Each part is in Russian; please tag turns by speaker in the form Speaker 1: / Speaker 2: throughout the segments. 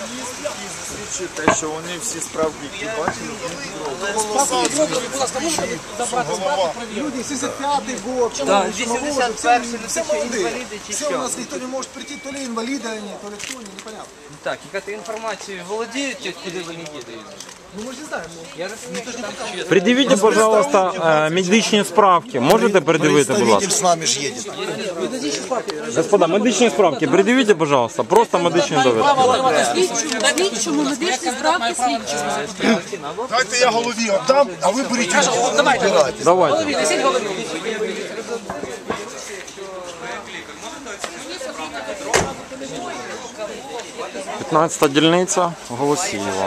Speaker 1: засвідчує те, що вони всі справки, які бачили,
Speaker 2: Люди, 75-й год,
Speaker 3: Да, 81-й,
Speaker 2: все молодые.
Speaker 3: инвалиды,
Speaker 2: Все, у нас никто не может прийти, то ли инвалиды они, то ли кто, непонятно.
Speaker 3: Так, яка інформацією володіють, куди вони їдуть?
Speaker 2: Ну мы же не знаем,
Speaker 3: Я розумію, що там ще...
Speaker 4: Пред'явіть, пожалуйста, медичні справки. Можете пред'явити, будь ласка?
Speaker 1: с нами ж едет.
Speaker 4: Господа, медичні справки, пред'явіть, пожалуйста. Просто медичні довідки.
Speaker 5: Слідчому медичні справки слідчому.
Speaker 1: Дайте я голові віддам, а ви беріть його.
Speaker 4: Давайте. 15-та дільниця, Голосіїва.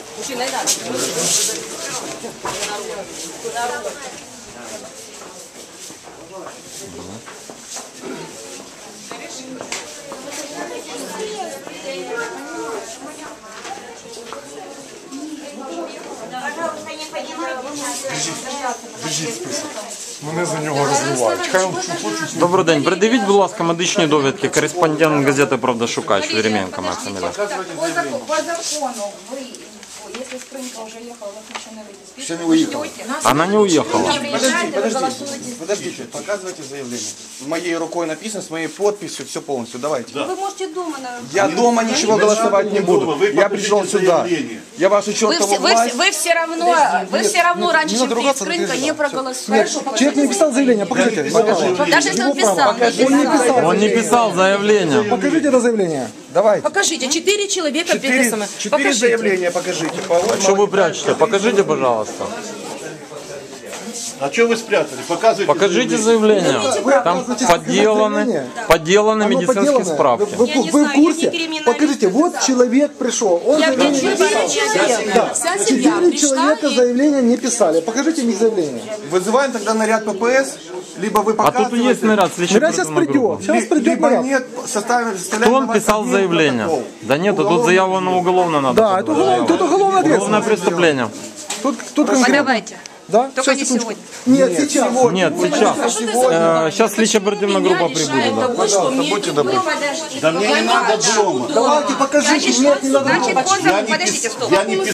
Speaker 1: Держіть список. Мене за нього розливають. Хай він хочуть.
Speaker 4: Добрий день. Пред'явіть, будь ласка, медичні довідки. Кореспондент газети «Правда» Шукач, Веременко, моя фамілія.
Speaker 6: По закону вы, если Спрынка уже ехала, вы еще не выйдете.
Speaker 1: Ще не уїхав.
Speaker 4: Она не уехала.
Speaker 7: Подождите, показывайте заявление. Моей рукой написано, с моей подписью, все полностью. Давайте.
Speaker 6: Вы можете дома, наверное.
Speaker 7: Я дома ничего голосовать не буду. Я пришел сюда. Я вашу чертову власть.
Speaker 6: Вы все равно раньше, чем Спрынка, не проголосуете.
Speaker 2: человек не писал заявление, покажите.
Speaker 6: Даже если он писал.
Speaker 4: Он не писал заявление.
Speaker 2: Покажите это заявление.
Speaker 7: Давайте.
Speaker 5: Покажите, 4 человека підписано.
Speaker 7: Четыре заявления покажите.
Speaker 4: Что вы прячете? Покажите, пожалуйста.
Speaker 8: А что вы спрятали? Показывайте.
Speaker 4: Покажите заявление. Там подделаны медицинские справки.
Speaker 2: Вы в курсе? Покажите, вот человек пришел. Он заявление не писал.
Speaker 5: Вся сім'я
Speaker 2: 4
Speaker 5: прийшла
Speaker 2: человека
Speaker 5: і...
Speaker 2: заявления не писали. Покажите мне заявление.
Speaker 7: Вызываем тогда наряд ППС, либо вы
Speaker 4: А тут
Speaker 7: показываете.
Speaker 4: есть наряд,
Speaker 2: Наряд сейчас
Speaker 4: следчо-оперативная группа.
Speaker 2: придет. Сейчас придет
Speaker 7: Либо
Speaker 2: наряд.
Speaker 7: нет, составим.
Speaker 4: Кто он писал заявление? Да нет, тут заяву на уголовно надо.
Speaker 2: Да, это уголовное
Speaker 4: Уголовное
Speaker 2: ответственность.
Speaker 4: преступление.
Speaker 2: Тут конкретно.
Speaker 6: Давайте.
Speaker 2: Да?
Speaker 6: Только не
Speaker 2: секундочку.
Speaker 6: сегодня.
Speaker 2: Нет, сейчас.
Speaker 4: Нет, сейчас. Сейчас следчо-оперативная группа прибудет. Да.
Speaker 7: Будьте добры.
Speaker 8: Да мне не надо дома.
Speaker 2: Давайте покажите. Нет, не надо.
Speaker 6: Значит, подождите, стоп.
Speaker 8: Я не